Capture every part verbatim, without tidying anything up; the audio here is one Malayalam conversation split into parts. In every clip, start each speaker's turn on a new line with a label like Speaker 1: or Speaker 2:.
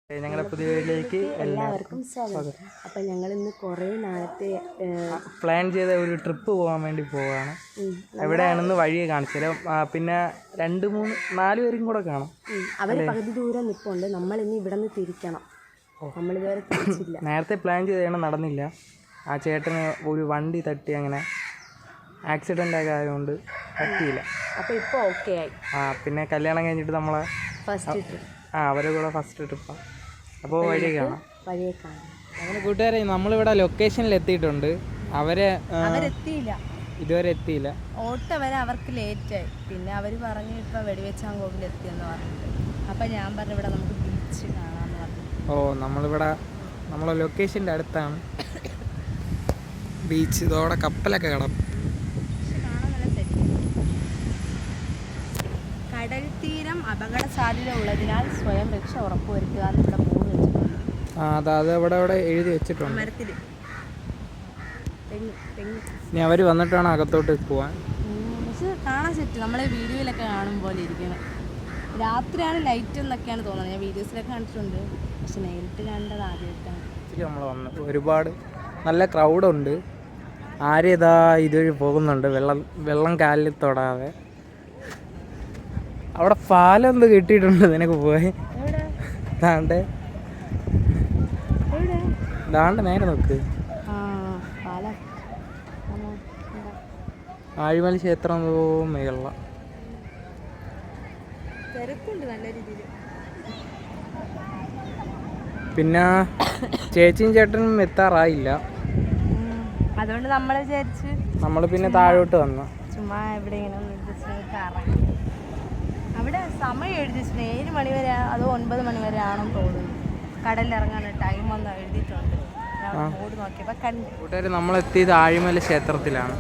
Speaker 1: ഞങ്ങളുടെ പുതിയ വീട്ടിലേക്ക്
Speaker 2: എല്ലാവർക്കും സ്വാഗതം. അപ്പം ഞങ്ങൾ ഇന്ന് കുറേ നാളത്തെ
Speaker 1: പ്ലാൻ ചെയ്ത ഒരു ട്രിപ്പ് പോകാൻ വേണ്ടി പോവുകയാണ്. എവിടെയാണെന്ന് വഴിയെ കാണിച്ചു പിന്നെ രണ്ട് മൂന്ന് നാല് പേരും കൂടെ കാണാം.
Speaker 2: അവർ പകുതി ദൂരം നിൽപ്പുണ്ട്. നമ്മൾ ഇനി ഇവിടെ നിന്ന് തിരിക്കണം. നമ്മളിതുവരെ തിരിച്ചില്ല.
Speaker 1: നേരത്തെ പ്ലാൻ ചെയ്തതാണ്, നടന്നില്ല. ആ ചേട്ടന് ഒരു വണ്ടി തട്ടി, അങ്ങനെ ആക്സിഡൻ്റ് ഒക്കെ ആയതുകൊണ്ട് പറ്റിയില്ല.
Speaker 2: അപ്പോൾ ഇപ്പോൾ ഓക്കെ ആയി.
Speaker 1: ആ പിന്നെ കല്യാണം കഴിഞ്ഞിട്ട് നമ്മളെ
Speaker 2: ഫസ്റ്റ് ട്രിപ്പ്
Speaker 1: ആ അവരെ കൂടെ ഫസ്റ്റ് ട്രിപ്പാണ്. അപ്പോൾ വഴിയെ കാണാം
Speaker 2: വഴിയെ കാണാം
Speaker 1: അങ്ങനെ കൂട്ടുകാരെ, നമ്മളിവിടെ ലൊക്കേഷനിൽ എത്തിയിട്ടുണ്ട്. അവരെ
Speaker 2: അവരെത്തിയില്ല,
Speaker 1: ഇതുവരെ എത്തിയില്ല.
Speaker 2: ഓട്ടോ വരെ അവർക്ക് ലേറ്റായി. പിന്നെ അവർ പറഞ്ഞു ഇപ്പോൾ വെടിവെച്ചാങ്കോവിൽ എത്തിയെന്ന് പറഞ്ഞിട്ട്. അപ്പം ഞാൻ പറഞ്ഞു ഇവിടെ നമുക്ക് ബീച്ച് കാണാമെന്ന് പറഞ്ഞു.
Speaker 1: ഓ നമ്മളിവിടെ നമ്മളെ ലൊക്കേഷൻ്റെ അടുത്താണ് ബീച്ച്. ഇതോടെ കപ്പലൊക്കെ കാണാം.
Speaker 2: കടൽ തീരം അപകട സാധ്യത ഉള്ളതിനാൽ സ്വയം രക്ഷ ഉറപ്പുവരുത്തുക എന്ന് ഇവിടെ ബോർഡ് വെച്ചിട്ടുണ്ട്.
Speaker 1: ആ അത് അത് ഇവിടെ ഇവിടെ എഴുതി വെച്ചിട്ടുണ്ട്.
Speaker 2: മരത്തിൽ തെങ്ങ് തെങ്ങ്
Speaker 1: ഇനി അവർ വന്നിട്ട് വേണം അകത്തോട്ട് പോവാൻ.
Speaker 2: പക്ഷെ കാണാൻ സെറ്റ് നമ്മളെ വീഡിയോയിലൊക്കെ കാണും പോലെ ഇരിക്കണം. രാത്രിയാണ് ലൈറ്റ് എന്നൊക്കെയാണ് തോന്നുന്നത്. ഞാൻ വീഡിയോസിലൊക്കെ കണ്ടിട്ടുണ്ട്, പക്ഷെ നേരിട്ട് കണ്ടത് ആദ്യമായിട്ടാണ്.
Speaker 1: നമ്മൾ വന്ന് ഒരുപാട് നല്ല ക്രൗഡുണ്ട്. ആരും ഇതാ ഇതുവഴി പോകുന്നുണ്ട്, വെള്ളം വെള്ളം കാലിൽ തൊടാതെ. അവിടെ പാലം എന്ത് കിട്ടിയിട്ടുണ്ട് നിനക്ക് പോയി? ദാണ്ട് ദാണ്ട് നേരെ നോക്ക്. ആഴിമല ക്ഷേത്രം മേള പിന്നെ ചേച്ചിയും ചേട്ടനും എത്താറായില്ല.
Speaker 2: അതുകൊണ്ട് നമ്മൾ വിചാരിച്ച്
Speaker 1: നമ്മൾ പിന്നെ താഴോട്ട് വന്നു.
Speaker 2: ചുമ്മാ എവിടെയെങ്കിലും അവിടെ സമയം എഴുതിച്ചിട്ടുണ്ട്. ഏഴ് മണി വരെ അതോ ഒൻപത് മണി വരെ ആണെന്ന് തോന്നുന്നു കടലിലിറങ്ങാൻ ടൈം ഒന്ന് എഴുതിയിട്ടുണ്ട്. ബോർഡ് നോക്കിയപ്പോൾ കണ്ടു.
Speaker 1: കൂട്ടുകാർ നമ്മളെത്തിയത് ആഴിമല ക്ഷേത്രത്തിലാണ്.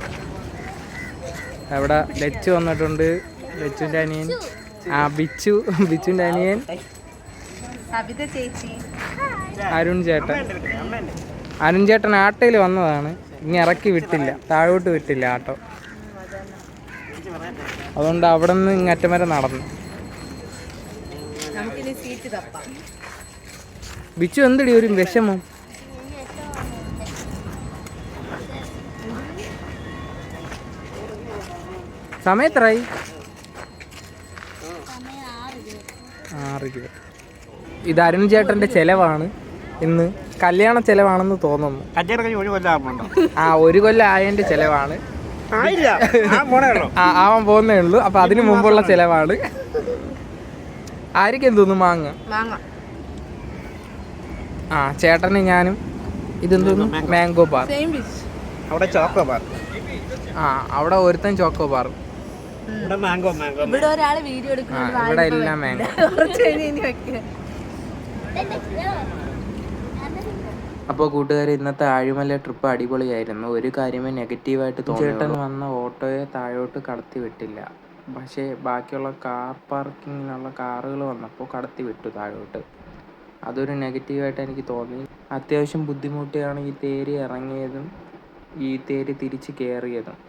Speaker 1: അവിടെ ലച്ചു വന്നിട്ടുണ്ട്, ലച്ചുൻ്റെ അനിയൻ. ആ ബിച്ചു ബിച്ചുൻ്റെ അനിയൻ,
Speaker 2: സബിത ചേച്ചി,
Speaker 1: അരുൺ ചേട്ടൻ. അരുൺ ചേട്ടൻ ആട്ടോയിൽ വന്നതാണ്, ഇനി ഇറക്കി വിട്ടില്ല, താഴോട്ട് വിട്ടില്ല ആട്ടോ. അതുകൊണ്ട് അവിടെ നിന്ന് ഇങ്ങറ്റം വരെ നടന്നു. ബിച്ചു എന്തടി ഒരു വിഷമം? സമയത്രായി? ആറ് രൂപ. ഇത് അരുൺ ചേട്ടൻ്റെ ചെലവാണ് ഇന്ന്. കല്യാണ ചെലവാണെന്ന് തോന്നുന്നു. ആ ഒരു കൊല്ലം ആയതിൻ്റെ ചെലവാണ്. ആ ആവാൻ പോകുന്നേ ഉള്ളൂ. അപ്പൊ അതിനു മുമ്പുള്ള ചെലവാണ്. ആയിരിക്കും തോന്നുന്നു മാങ്ങ. ആ ചേട്ടന് ഞാനും. ഇതെന്തോന്നു? Mango bar. ആ അവിടെ ഒരുത്തൻ ചോക്കോ ബാർ. ഇവിടെ എല്ലാം മാംഗോ. അപ്പോൾ കൂട്ടുകാർ, ഇന്നത്തെ ആഴിമല ട്രിപ്പ് അടിപൊളിയായിരുന്നു. ഒരു കാര്യമേ നെഗറ്റീവായിട്ട് തോന്നി. ചേട്ടൻ വന്ന ഓട്ടോയെ താഴോട്ട് കടത്തി വിട്ടില്ല. പക്ഷേ ബാക്കിയുള്ള കാർ പാർക്കിങ്ങിനുള്ള കാറുകൾ വന്നപ്പോൾ കടത്തി വിട്ടു താഴോട്ട്. അതൊരു നെഗറ്റീവായിട്ട് എനിക്ക് തോന്നി. അത്യാവശ്യം ബുദ്ധിമുട്ടിയാണ് ഈ തേരി ഇറങ്ങിയതും ഈ തേരി തിരിച്ച് കയറിയതും.